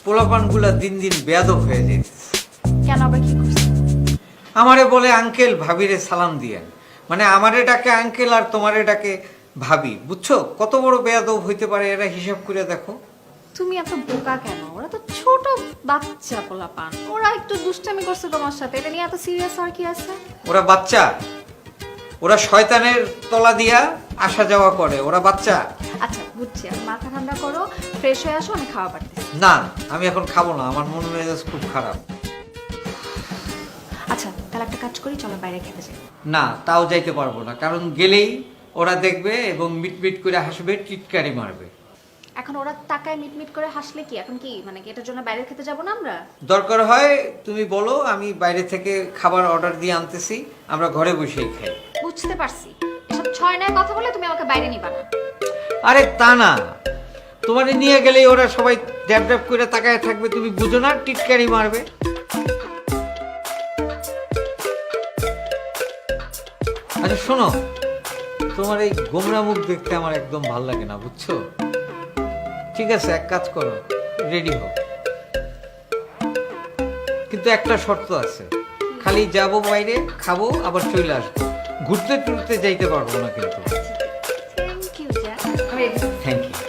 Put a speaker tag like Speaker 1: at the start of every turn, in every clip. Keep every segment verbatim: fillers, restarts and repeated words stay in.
Speaker 1: পোলাপানগুলা দিন দিন বেয়াদব হয়ে যেতেছে।
Speaker 2: কেন আবার কি করছে?
Speaker 1: আমারে বলে আঙ্কেল ভাবিরে সালাম দিয়েন, মানে আমারে ডাকে আঙ্কেল আর তোমারে ডাকে ভাবি। বুঝছো কত বড় বেয়াদব হইতে পারে এরা, হিসাব করে দেখো।
Speaker 2: তুমি এত বোকা কেন? ওরা তো ছোট বাচ্চা পোলাপান, ওরা একটু দুষ্টামি করছে তোমার সাথে, এটা নিয়ে এত সিরিয়াস আর কি আছে?
Speaker 1: ওরা বাচ্চা, ওরা শয়তানের তলা দিয়া আসা যাওয়া করে, ওরা বাচ্চা।
Speaker 2: আচ্ছা বুঝছি, আমি মাথা ঠান্ডা করো, ফ্রেশ হয়ে আসো, আমি খাওয়া পারতেছি।
Speaker 1: না আমি এখন খাবো না, আমার মন মেজাজ খুব খারাপ।
Speaker 2: আচ্ছা তাহলে একটা কাজ করি, চলো বাইরে খেতে যাই।
Speaker 1: না তাও যাইতে পারবো না, কারণ গেলেই ওরা দেখবে এবং মিটমিট করে হাসবে, টিটকারি মারবে।
Speaker 2: এখন ওরা তাকায় মিটমিট করে হাসলে কি এখন কি মানে কি এটার জন্য বাইরে খেতে যাবো না আমরা?
Speaker 1: দরকার হয় তুমি বলো, আমি বাইরে থেকে খাবার অর্ডার দিয়ে আনতেছি, আমরা ঘরে বসেই খাই।
Speaker 2: বুঝতে পারছি, এসব ছয় নয় কথা বলে তুমি আমাকে বাইরে নিবা না।
Speaker 1: আরে তা না, তোমারে নিয়ে গেলেই ওরা সবাই ড্যাব ড্যাব করে তাকায় থাকবে, তুমি বুঝো না, টিটকারি মারবে। আচ্ছা শোনো, তোমার এই গোমরা মুখ দেখতে আমার একদম ভাল লাগে না, বুঝছো? ঠিক আছে এক কাজ করো, রেডি হও, কিন্তু একটা শর্ত আছে, খালি যাবো বাইরে খাবো আবার চলে আসবো, ঘুরতে টুরতে যাইতে পারবো না কিন্তু।
Speaker 2: থ্যাংক ইউ জ্যাক, আমি রেডি।
Speaker 1: Thank you.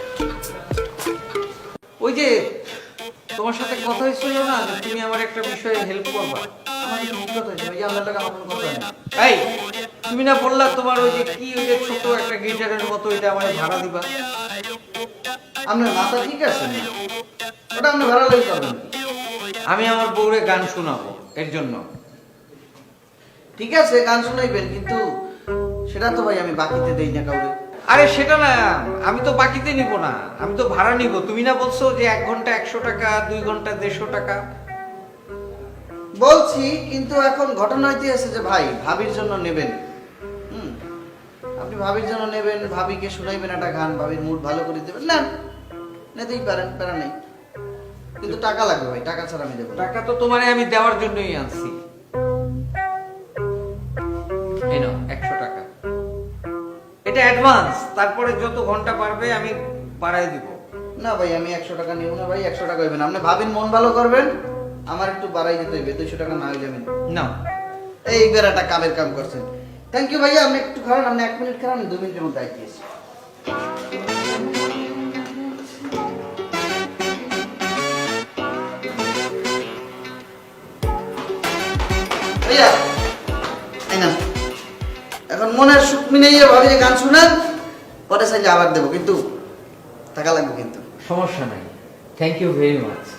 Speaker 1: ওই যে তোমার সাথে কথা হয়েছিল না যে তুমি আমার একটা বিষয়ে হেল্প করবা,
Speaker 3: আমার একটু বিপদ হয়েছে ভাই, আপনার টাকা আমার কোনো কথা নেই।
Speaker 1: এই তুমি না বললা তোমার ওই যে কি ওই যে ছোট একটা গিটারের মতো ওইটা আমার ভাড়া দিবা?
Speaker 3: আপনার মাথা ঠিক আছে না? ওটা আপনি ভাড়া লাগতে পারবেন।
Speaker 1: আমি আমার বউরে গান শোনাবো, এর জন্য।
Speaker 3: ঠিক আছে গান শোনাইবেন, কিন্তু সেটা তো ভাই আমি বাকিতে দেই না কাউকে।
Speaker 1: আরে সেটা না, আমি তো বাকিতে নিব না, আমি তো ভাড়া নিব। তুমি না বলছো যে এক ঘন্টা একশো টাকা, দুই ঘন্টা দেড়শো টাকা?
Speaker 3: বলছি, কিন্তু এখন ঘটনা হইতেছে যে ভাই ভাবির জন্য নেবেন, হুম, আপনি ভাবির জন্য নেবেন, ভাবিকে শুনাইবেন একটা গান, ভাবির মুড ভালো করে দেবেন, না নিতেই পারেন, প্যারা নেই, কিন্তু টাকা লাগবে ভাই, টাকা ছাড়া আমি দেবো না।
Speaker 1: টাকা তো তোমারে আমি দেওয়ার জন্যই আনছি। এই নাও একশো টাকা, এটা অ্যাডভান্স, তারপরে যত ঘন্টা পারবে আমি বাড়াই দিব।
Speaker 3: না ভাই আমি একশো টাকা নিব না ভাই, একশো টাকা হইবেন, আপনি ভাবির মন ভালো করবেন, আমার একটু বাড়াই দিতে হইবে, দুইশো টাকা না হইলে আমি
Speaker 1: না
Speaker 3: এই বেড়াটা কামের কাম করছেন। থ্যাংক ইউ ভাইয়া, আপনি একটু খারাপ, আপনি এক মিনিট খারাপ, আমি দু মিনিটের মধ্যে আইতেছি। ভাইয়া এই না, এখন মনের সুখ মিলিয়ে ভাবি যে গান শুনেন, পরে চাইলে আবার দেবো, কিন্তু টাকা লাগবে কিন্তু।
Speaker 1: সমস্যা নাই, থ্যাংক ইউ ভেরি মাচ।